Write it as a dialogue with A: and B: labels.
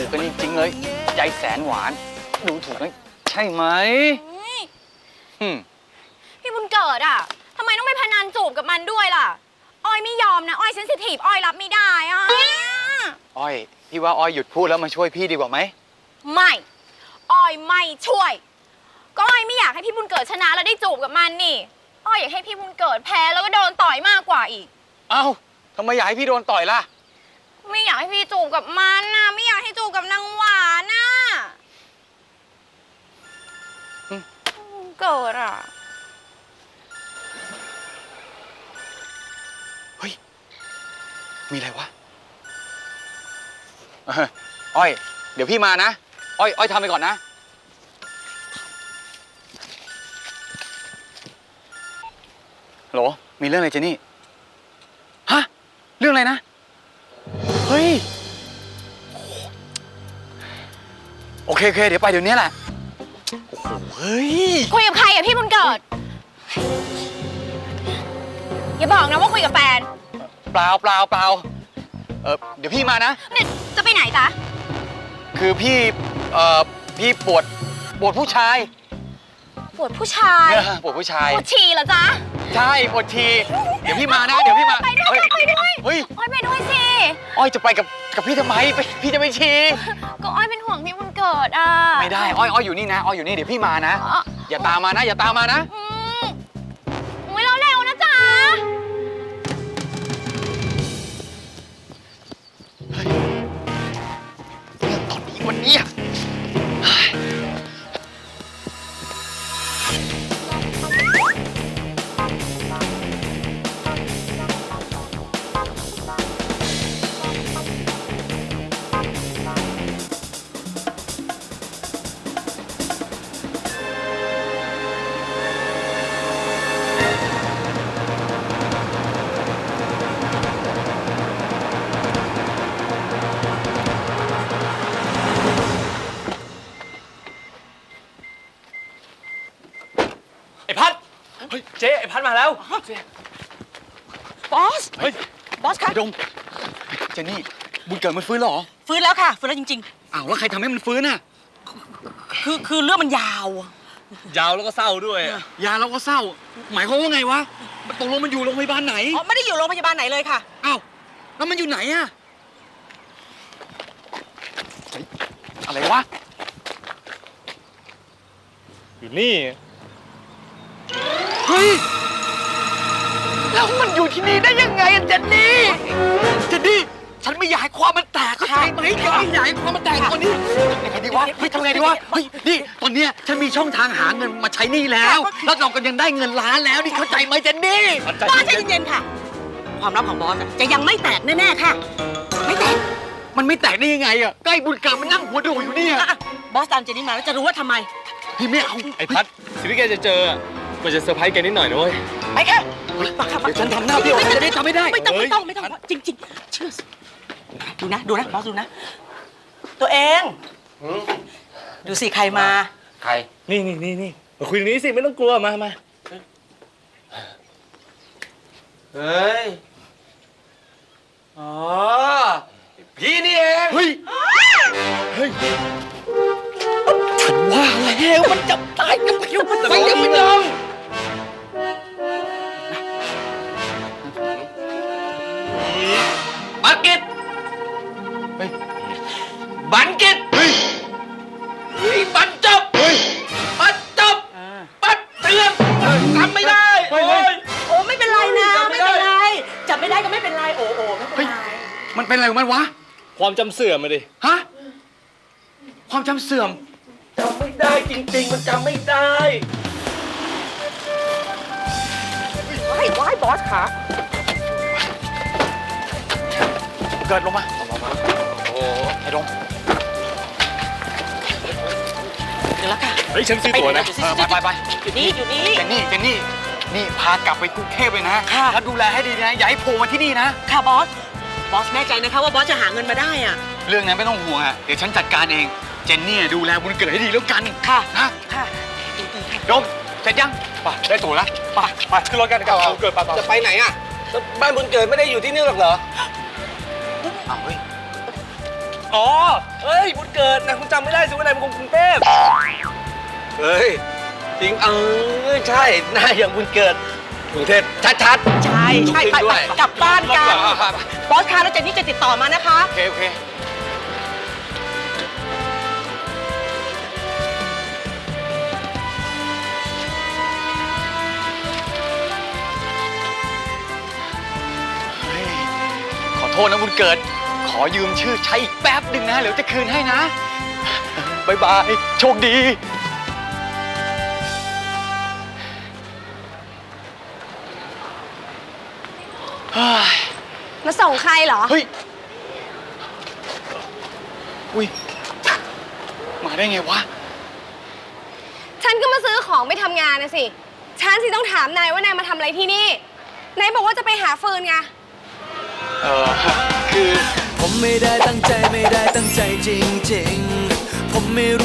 A: กกันจริงๆเลยใจแสนหวานดูถูกไหมใช่ไหม
B: พี่บุญเกิดอ่ะทำไมต้องไปพนันจูบกับมันด้วยล่ะอ้อยไม่ยอมนะอ้อยเซนซิทีฟอ้อยรับไม่ได้อ่ะ
A: อ้อยพี่ว่าอ้อยหยุดพูดแล้วมาช่วยพี่ดีกว่าไหม
B: ไม่อ้อยไม่ช่วยก็อ้อยไม่อยากให้พี่บุญเกิดชนะแล้วได้จูบกับมันนี่อ้อยอยากให้พี่บุญเกิดแพ้แล้วก็โดนต่อยมากกว่าอีก
A: เอ้าทำไมอยากให้พี่โดนต่อยล่ะ
B: ไม่อยากให้พี่จูบกับมันนะไม่อยากให้จูบกับนางหวานน่ะเกิดอ่ะ
A: เฮ้ยมีอะไรวะอ้อยเดี๋ยวพี่มานะอ้อยทำไปก่อนนะฮัลโหลมีเรื่องอะไรเจนี่ฮะเรื่องอะไรนะเฮ้ยโอเคเดี๋ยวไปเดี๋ยวนี้แหละโอ้โหเฮ้ย
B: คุยกับใครอะพี่บุญเกิดอย่าบอกนะว่าคุยกับแฟน
A: เปล่าเดี๋ยวพี่มานะ
B: เนี่ยจะไปไหนจ๊ะ
A: คือพี่ปวดผู้ชาย
B: ปวดผู้ชาย
A: ปวดผู้ชาย
B: ปวดฉี่เหรอจ๊ะ
A: ใช่ปวดฉี่เดี๋ยวพี่มานะเดี๋ยวพี่มา
B: ไปด้วย
A: เฮ้ย
B: อ้อยไปด้วยสิ
A: อ้อยจะไปกับพี่ทำไมพี่จะไปฉี่
B: ก็อ้อยเป็นห่วงพี่บุญเกิดอ่ะ
A: ไม่ได้อ้อยอยู่นี่นะอ้อยอยู่นี่เดี๋ยวพี่มานะอย่าตามมานะ
B: อุ้ยเร็วนะจ๊ะ
A: เฮ้ยเรื่องตอนนี้วันนี้
C: ไอ้พัดเฮ้ยเจ๊ไอ้พัดมาแล้ว
D: บอส
A: เฮ้ย
D: บอสคะ
A: ดงเจนี่บุญเกิดมันฟื้นหรอ
D: ฟื้นแล้วค่ะฟื้นแล้วจริง
A: อ้าวแล้วใครทำให้มันฟื้นน่ะ
D: คือเรื่องมันยาว
C: แล้วก็เศร้าด้วย
A: ยาแล้วก็เศร้าหมายความว่าไงวะตกลงมันอยู่โรงพยาบาลไหน
D: อ๋อไม่ได้อยู่โรงพยาบาลไหนเลยค่ะ
A: อ้าวแล้วมันอยู่ไหนอะอะไรวะ
C: อยู่นี่
A: เฮ้ยแล้วมันอยู่ที่นี่ได้ยังไงเจนนี่ฉันไม่อยากให้ความมันแตกเข้าใจไหมฉันไม่อยากให้ความมันแตกตอนนี้ทำไงดีวะทำไงดีวะเฮ้ยนี่ตอนเนี้ยฉันมีช่องทางหาเงินมาใช้หนี้แล้วเราก็ยังได้เงินล้านแล้วนี่เข้าใจไหมเจนนี่
D: บอสใจเย็นๆค่ะความลับของบอสจะยังไม่แตกแน่ๆค่ะไม่แตก
A: มันไม่แตกได้ยังไงอะใกล้บุญเกิดมันนั่งหัวโดดอยู่เนี่ย
D: บอสตามเจนนี่มาแล้วจะรู้ว่าทำไม
A: พี่ไม่เอา
C: ไอ้พัดสิ่งที่แกจะเจอมันจะเซอร์ไพรส์แกนิดหน่อยนะเว้ย
D: ไปค่ะ
A: เดี๋ยวฉันทำหน้าพี่จะได้ทำไม่ได้
D: ไม่ต้องจริงเชื่อดูนะบอสดูนะตัวเองดูสิใครมา
A: ใคร
C: นี่มาคุยตรงนี้สิไม่ต้องกลัวมา
A: เฮ้ยอ๋อพี่นี่เองเฮ้ยฉันว่าแล้วมันจะตายกับผิวมันไปยังไม่ยอมบังกิตบังกิตบันจบบันเตือนทำไม่ได้
D: โอ้ไม่เป็นไรนะไม่เป็นไรจับไม่ได้ก็ไม่เป็นไรโอ้ไม่เป็นไร
A: มันเป็นอะไรของมันวะ
C: ความจำเสื่อมมาดิ
A: ฮะความจำเสื่อม
C: จำไม่ได้จริงๆมันจำไม่ได้
D: ว้ายบอสขา
A: เกิดลงมาโอ้ไอ้ดง
D: เดี๋ยวแล้วค่ะ
C: เฮ้ยฉันซื้อตั๋วนะ
A: ไป
D: อยู่นี่
A: เจนนี่นี่พากลับไปกรุงเทพเลยนะแล้วดูแลให้ดีนะอย่าให้โผล่มาที่นี่นะ
D: ค่ะบอสแน่ใจนะคะว่าบอสจะหาเงินมาได้อะ
A: เรื่องนั้นไม่ต้องห่วงอะเดี๋ยวฉันจัดการเองเจนนี่ดูแลบุญเกิดให้ดีแล้วกัน
D: ค่ะ
A: นะ
D: ค่ะ
A: ดงเสร็จยังไปได้ตั๋วแล้ว
C: ไปขึ้นรถกันกับบุญเกิด
E: จะไปไหนอะบ้านบุญเกิดไม่ได้อยู่ที่นี่หรอกเหรอ
A: อ้าวเฮ้ย
C: อ๋อเฮ้ยวันเกิดนะคุณจำไม่ได้สิว่านายเป็นคนกรุงเทพเฮ้ยจริงใช่หน้าอย่างวันเกิดกรุงเทพชัดๆ
D: ใช่ไป
C: ด้วย
D: กลับบ้านกัน
C: ครับ
D: บอสคะแล้วเจนนี่จะติดต่อมานะคะ
C: โอเค
A: ขอโทษนะบุญเกิด ขอยืมชื่อใช้อีกแป๊บหนึ่งนะเดี๋ยวจะคืนให้นะบายบาย โชคดี
B: มาส่งใครเหรอ
A: เฮ้ย อุ้ย มาได้ไงวะ
B: ฉันก็มาซื้อของไปทำงานนะสิ ฉันสิต้องถามนายว่านายมาทำอะไรที่นี่ นายบอกว่าจะไปหาฟืนไง
A: คือ
E: ผมไม่ได้ตั้งใจจริงๆ ผมไม่รู้